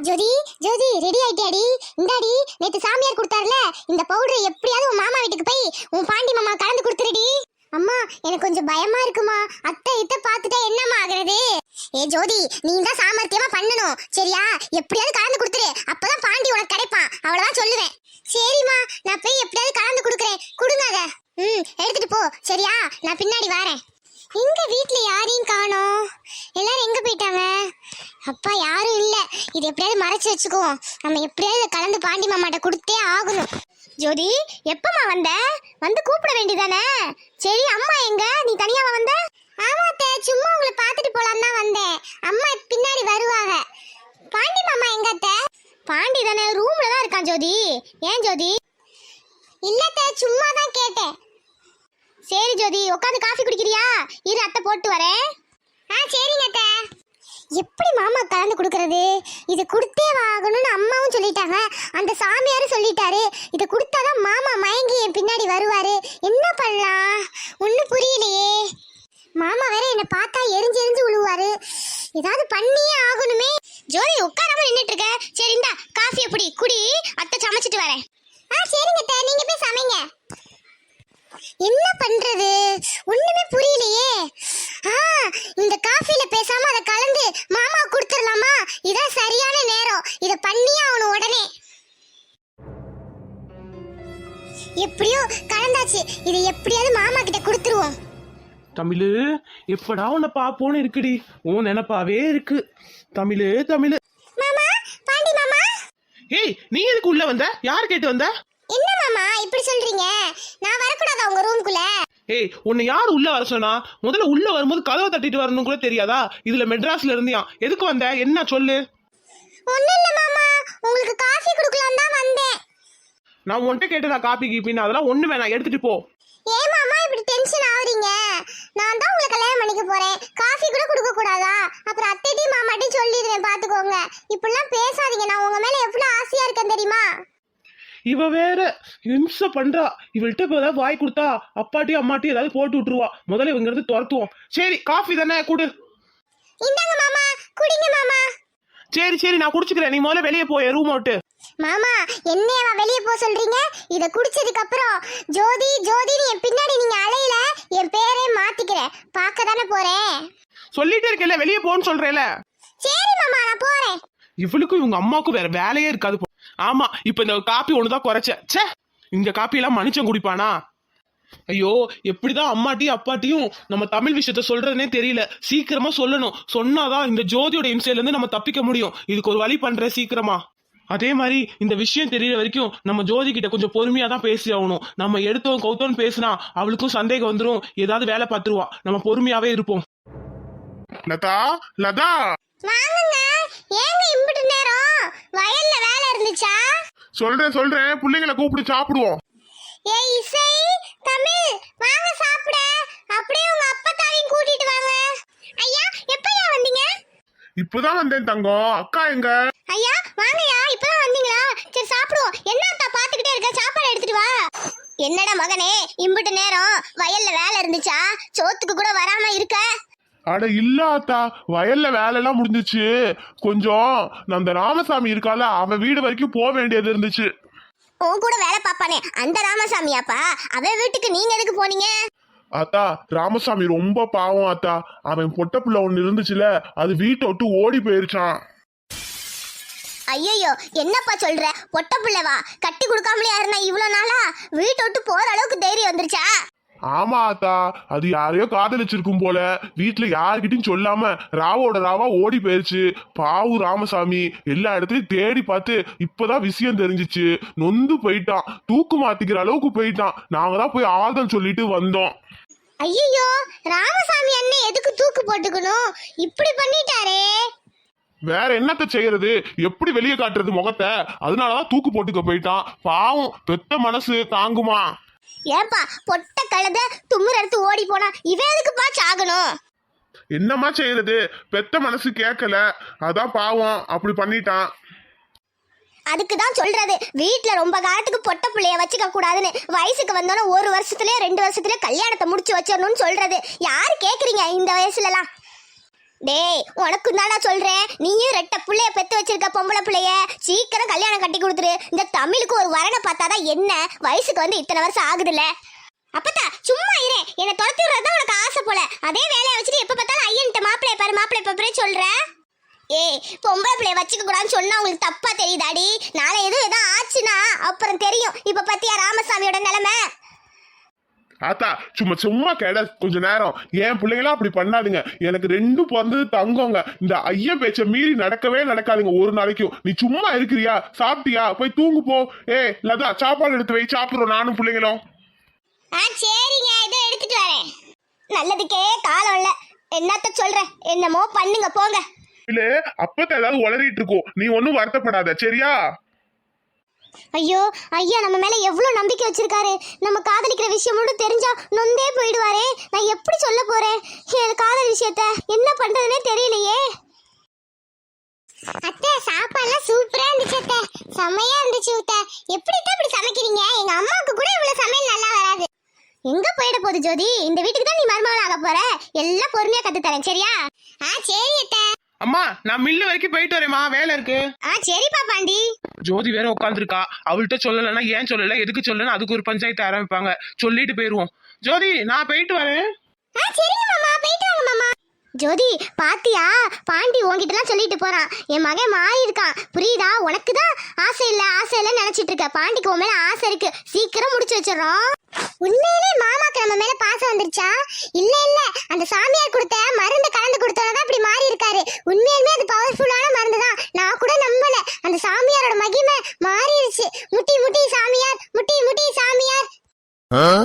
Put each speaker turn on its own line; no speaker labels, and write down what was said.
ஜோதி ஜோதி ready ஆயிட்டியாடி? இந்தாடி நேத்து சாமியார் கொடுத்தாருல இந்த பவுடர், எப்படியாவது உன் மாமா வீட்டுக்கு போய் உன் பாண்டி மாமா கலந்து கொடுத்துருடி. அம்மா எனக்கு கொஞ்சம் பயமா இருக்குமா, அத்தை இத்த பாத்துட்டா என்னம்மா ஆகுறது? ஏ ஜோதி, நீ தான் சாமர்த்தியமா பண்ணணும் சரியா? எப்படியாவது கலந்து கொடுத்துரு, அப்பதான் பாண்டி உனக்கு கிடைப்பான், அவ்வளவுதான் சொல்லுவேன். சரிம்மா, நான் போய் எப்படியாவது கலந்து கொடுக்குறேன், கொடுங்க அத. எடுத்துட்டு போ சரியா, நான் பின்னாடி வரேன். எங்க வீட்ல யாரையும் காணோம், எல்லாரும் எங்க போயிட்டாங்க? அப்பா யாரும் இல்ல, இது எப்படியாவது மறைச்சு வச்சுக்குவோம். நம்ம எப்படியாவது கலந்து பாண்டி மாமாட்ட கொடுத்தே ஆகணும். ஜோதி, எப்பமா வந்த? வந்து கூப்பிட வேண்டியதானே? சரி, அம்மா எங்க? நீ தனியாவா வந்த? ஆமாத்த, சும்மா உங்களை பார்த்துட்டு போலாம் தான் வந்தேன். அம்மா பின்னாடி வருவாங்க. பாண்டி மாமா எங்க அத்தை? பாண்டி தானே, ரூம்ல தான் இருக்கான் ஜோதி. ஏன் ஜோதி? இல்லத்த, சும்மா தான் கேட்டேன். சரி ஜோதி, உட்காந்து காஃபி குடிக்கிறியா? இரு அத்தை போட்டு வரேன். சரிங்க அத்தை. எப்படி மாமா கலந்து கொடுக்கறது? இது கொடுத்தே ஆகணும்னு அம்மாவும் சொல்லிட்டாங்க, அந்த சாமியாரும் சொல்லிட்டாரு. இதை கொடுத்தாதான் மாமா மயங்கி என் பின்னாடி வருவாரு. என்ன பண்ணலாம், ஒன்றும் புரியலையே. மாமா வேற என்னை பார்த்தா எரிஞ்சு எரிஞ்சு விழுவாரு. ஏதாவது பண்ணியே ஆகணுமே. ஜோதி உட்காராம நின்றுட்டு இருக்க. சரி இந்தா காஃபி எப்படி குடி, அத்தை சமைச்சிட்டு வரேன். சரிங்க அத்தை, நீங்க போய் சமைங்க. என்ன பண்றது, ஒண்ணுமே புரியலையே. இந்த காஃபில பேசாம அதை கலந்து மாமா கொடுத்துடலாமா? இதான் சரியான நேரம், இத பண்ணியே ஆகணும் உடனே. எப்படியோ கலந்தாச்சு, இதை எப்படியாவது மாமா கிட்ட கொடுத்துருவோம்.
தமிழு, எப்படா உன்னை பாப்போன்னு இருக்குடி, உன் நினைப்பாவே இருக்கு. தமிழு தமிழு.
மாமா, பாண்டி மாமா.
ஏய், நீ எதுக்கு உள்ள வந்த? யார் கேட்டு வந்த?
என்ன மாமா இப்படி சொல்றீங்க? நான் வரக்கூடாதா உங்க ரூம்குள்ள?
ஏய், உன்னை யார் உள்ள வர சொன்னா? முதல்ல உள்ள வரும்போது கதவை தட்டிட்டு வரணும் கூட தெரியாதா? இதுல மெட்ராஸ்ல இருந்தியா, எதுக்கு வந்த? என்ன சொல்லு.
ஒண்ணும் இல்ல மாமா, உங்களுக்கு காஃபி குடுக்கலாம் தான் வந்தேன்.
நான் உன்கிட்ட கேட்டதா காப்பி கீப்பின்னு? அதெல்லாம் ஒண்ணு வேணாம், எடுத்துட்டு போ.
ஏன் மாமா இப்படி டென்ஷன் ஆவறீங்க? நான் தான் உங்களை கல்யாணம் பண்ணிக்க போறேன், காஃபி கூட குடுக்க கூடாதா? அப்புறம் அத்தைட்டையும் மாமாட்டையும் சொல்லிடுறேன், பாத்துக்கோங்க. இப்படிலாம் பேசாதீங்க, நான் உங்க மேல எவ்வளவு ஆசையா இருக்கேன் தெரியுமா?
இவ வேற இம்சை பண்றா. இவள்கிட்ட இப்ப ஏதாவது வாய் கொடுத்தா அப்பாட்டியும் அம்மாட்டியும் ஏதாவது போட்டு விட்டுருவா. முதல்ல இவங்க இருந்து துரத்துவோம். சரி, காஃபி தானே, குடு.
இந்தாங்க மாமா, குடிங்க மாமா.
சரி சரி, நான் குடிச்சுக்கிறேன், நீ முதல்ல வெளியே போய் ரூம் அவுட்டு.
மாமா, என்னையவா வெளியே போக சொல்றீங்க? இத குடிச்சதுக்கு அப்புறம் ஜோதி ஜோதின்னு என் பின்னாடி நீங்க அலையில, என் பேரே மாத்திக்கிறேன். பார்க்க தானே போறேன்.
சொல்லிட்டே இருக்கல, வெளியே போன்னு சொல்றேல.
சரி மாமா, நான் போறேன்.
இவளுக்கும் இவங்க அம்மாவுக்கும் வேற வேலையே இருக்காது. ஆமா, இப்ப இந்த காப்பி ஒண்ணுதான் குறைச்ச. சே, இந்த காப்பி எல்லாம் மனுஷன் குடிப்பானா? ஐயோ, எப்படிதான் அம்மாட்டியும் அப்பாட்டியும் நம்ம தமிழ் விஷயத்த சொல்றதுனே தெரியல. சீக்கிரமா சொல்லணும், சொன்னாதான் இந்த ஜோதியோட இம்சையில இருந்து நம்ம தப்பிக்க முடியும். இதுக்கு ஒரு வழி பண்றேன் சீக்கிரமா. அதே மாதிரி இந்த விஷயம் தெரியற வரைக்கும் நம்ம ஜோதி கிட்ட கொஞ்சம் பொறுமையா தான் பேசி ஆகணும். நம்ம எடுத்தோம் கௌத்தோன்னு பேசினா அவளுக்கும் சந்தேகம் வந்துடும், ஏதாவது வேலை பார்த்துருவா. நம்ம பொறுமையாவே இருப்போம்.
லதா, லதா,
வாங்குங்க. ஏங்க இம்புட்டு நேரம்? வயல்ல வேலை இருந்துச்சா?
சொல்றேன், பிள்ளைங்களை கூப்பிட்டு சாப்பிடுவோம்.
ஏய் இசை, தமிழ், வாங்க சாப்பிட. அப்படியே உங்க அப்பத்தாவையும் கூட்டிட்டு வாங்க. ஐயா, எப்பயா வந்தீங்க?
இப்பதான் வந்தேன் தங்கம். அக்கா எங்க?
ஐயா வாங்கயா, இப்பதான் வந்தீங்களா? சரி சாப்பிடுவோம். என்ன அத்தா பாத்துக்கிட்டே இருக்க, சாப்பாடு எடுத்துட்டு வா. என்னடா மகனே, இம்புட்டு நேரம் வயல்ல வேலை இருந்துச்சா? சோத்துக்கு கூட வராம இருக்க?
அட இல்ல அத்தா, வயல்ல வேலை எல்லாம் முடிஞ்சிச்சு. கொஞ்சம் அந்த ராமசாமி இருக்கால, அவன் வீடு வரைக்கும் போக வேண்டியது இருந்துச்சு.
உன் கூட வேலை பாப்பானே அந்த ராமசாமியாப்பா, அவன் வீட்டுக்கு நீங்க எதுக்கு போனீங்க?
அத்தா, ராமசாமி ரொம்ப பாவம் அத்தா. அவன் பொட்ட புள்ள ஒண்ணு இருந்துச்சுல, அது வீட்டை விட்டு ஓடி போயிருச்சான்.
ஐயோ, என்னப்பா சொல்ற? பொட்ட புள்ளவா? கட்டி கொடுக்காமலே யாருன்னா இவ்வளவு நாளா? வீட்டை விட்டு போற அளவுக்கு தைரியம் வந்துருச்சா?
ஆமா அத்தா, அது யாரையோ காதலிச்சிருக்கும் போல. வீட்டுல யாருக்கிட்டையும் சொல்லாம ராவோட ராவா ஓடி போயிருச்சு. பாவு ராமசாமி எல்லா இடத்துலயும் தேடி பார்த்து இப்பதான் விஷயம் தெரிஞ்சிச்சு. நொந்து போயிட்டான், தூக்கு மாத்திக்கிற அளவுக்கு போயிட்டான். நாங்க தான் போய் ஆறுதல் சொல்லிட்டு வந்தோம்.
ஐயோ, ராமசாமி அண்ணன் எதுக்கு தூக்கு போட்டுக்கணும்? இப்படி பண்ணிட்டாரே.
வேற என்னத்த செய்யறது, எப்படி வெளியே காட்டுறது முகத்தை? அதனாலதான் தூக்கு போட்டுக்க போயிட்டான். பாவம், பெத்த மனசு தாங்குமா?
ஏன்பா பொட்ட கழுத தும்முற எடுத்து ஓடி போனா இவன் எதுக்குப்பா சாகணும்?
என்னமா செய்யறது, பெத்த மனசு கேட்கல, அதான் பாவம் அப்படி பண்ணிட்டான்.
அதுக்குதான் சொல்றது, வீட்டுல ரொம்ப காலத்துக்கு பொட்ட பிள்ளைய வச்சுக்க கூடாதுன்னு. வயசுக்கு வந்தோன்னா 1 வருஷத்துலயே 2 வருஷத்துலயே கல்யாணத்தை முடிச்சு வச்சிடணும்னு சொல்றது. யாரு கேக்குறீங்க இந்த வயசுல எல்லாம்? டேய் உனக்கும் தானா சொல்றேன், நீயும் ரெட்ட புள்ளைய பெத்து வச்சிருக்க பொம்பளை பிள்ளைய சீக்கிரம் கல்யாணம் கட்டி கொடுத்துரு. இந்த தமிழுக்கு ஒரு வரனை பார்த்தாதான் என்ன, வயசுக்கு வந்து இத்தனை வருஷம் ஆகுதுல்ல. அப்பத்தா சும்மா இரு, என்னை துரத்தி விடுறதுதான் உனக்கு ஆசை போல. அதே வேலையை வச்சுட்டு எப்ப பார்த்தாலும் ஐயன்ட்ட மாப்பிள்ளைய பாரு மாப்பிள்ளைய பாரு சொல்ற. ஏய் பொம்பளை பிள்ளைய வச்சுக்க கூடாதுன்னு சொன்னா உங்களுக்கு தப்பா தெரியுதாடி? நாளை எதுவும் ஆச்சுன்னா அப்புறம் தெரியும். இப்ப பத்தியா ராமசாமியோட நிலைமை.
ஆத்தா சும்மா சும்மா கேட கொஞ்ச நேரம். என் பிள்ளைங்களாம் அப்படி பண்ணாதுங்க. எனக்கு ரெண்டும் பிறந்தது தங்கங்க. இந்த ஐயன் பேச்ச மீறி நடக்கவே நடக்காதுங்க ஒரு நாளைக்கும். நீ சும்மா இருக்கிறியா? சாப்பிட்டியா? போய் தூங்கு போ. லதா சாப்பாடு எடுத்து வை, சாப்பிடுறோம் நானும் பிள்ளைங்களும்.
சரிங்க, இதை எடுத்துட்டு வரேன். நல்லதுக்கே காலம் இல்ல, என்னத்த சொல்ற, என்னமோ பண்ணுங்க போங்க.
இல்ல அப்பத்த ஏதாவது உளறிட்டு இருக்கோம், நீ ஒன்னும் வருத்தப்படாத சரியா?
ஐயோ ஐயா நம்ம மேல எவ்வளவு நம்பிக்கை வச்சிருக்காரு. நம்ம காதலிக்கிற விஷயம் மட்டும் தெரிஞ்சா நொந்தே போயிடுவாரே. நான் எப்படி சொல்ல போறேன் என் காதல் விஷயத்த? என்ன பண்றதுனே தெரியலையே. அத்தை சாப்பாடுலாம் சூப்பரா இருந்துச்சு அத்தை, செமையா இருந்துச்சு அத்தை. எப்படி இப்படி சமைக்கிறீங்க? எங்க அம்மாவுக்கு கூட இவ்வளவு சமையல் நல்லா வராது. எங்க போயிட போகுது ஜோதி? இந்த வீட்டுக்கு தான் நீ மருமகள் ஆக போற. எல்லாம் பொறுமையா கத்து தரேன் சரியா? சரி அத்தை.
அம்மா நான் மில்லு வரைக்கும் போயிட்டு வரேம்மா, வேலை இருக்கு.
சரிப்பா பாண்டி.
ஜோதி வேற உட்காந்துருக்கா, அவள்கிட்ட சொல்லலைன்னா ஏன் சொல்லல எதுக்கு சொல்லலன்னு அதுக்கு ஒரு பஞ்சாயத்து ஆரம்பிப்பாங்க. சொல்லிட்டு போயிருவோம். ஜோதி நான் போயிட்டு வரேன்.
சரிங்க மாமா, போயிட்டு வாங்க மாமா. ஜோதி பாத்தியா, பாண்டி உன்கிட்டலாம் சொல்லிட்டு போறான். என் மகன் மாறி இருக்கான் புரியுதா? உனக்கு தான் ஆசை இல்ல நினைச்சிட்டு இருக்க. பாண்டிக்கு உன் மேல ஆசை இருக்கு, சீக்கிரம் முடிச்சு வச்சிடறோம். உண்மையிலே மாமாக்கு நம்ம மேல பாசம் வந்துருச்சா? இல்ல அந்த சாமியார் கொடுத்த மருந்து கலந்து கொடுத்தவனதான் இப்படி மாறி இருக்காரு. உண்மையிலுமே அது பவர்ஃபுல்லான மருந்து தான். நான் கூட நம்பல, அந்த சாமியாரோட மகிமை மாறிடுச்சு. முட்டி முட்டி சாமியார், முட்டி முட்டி சாமியார்.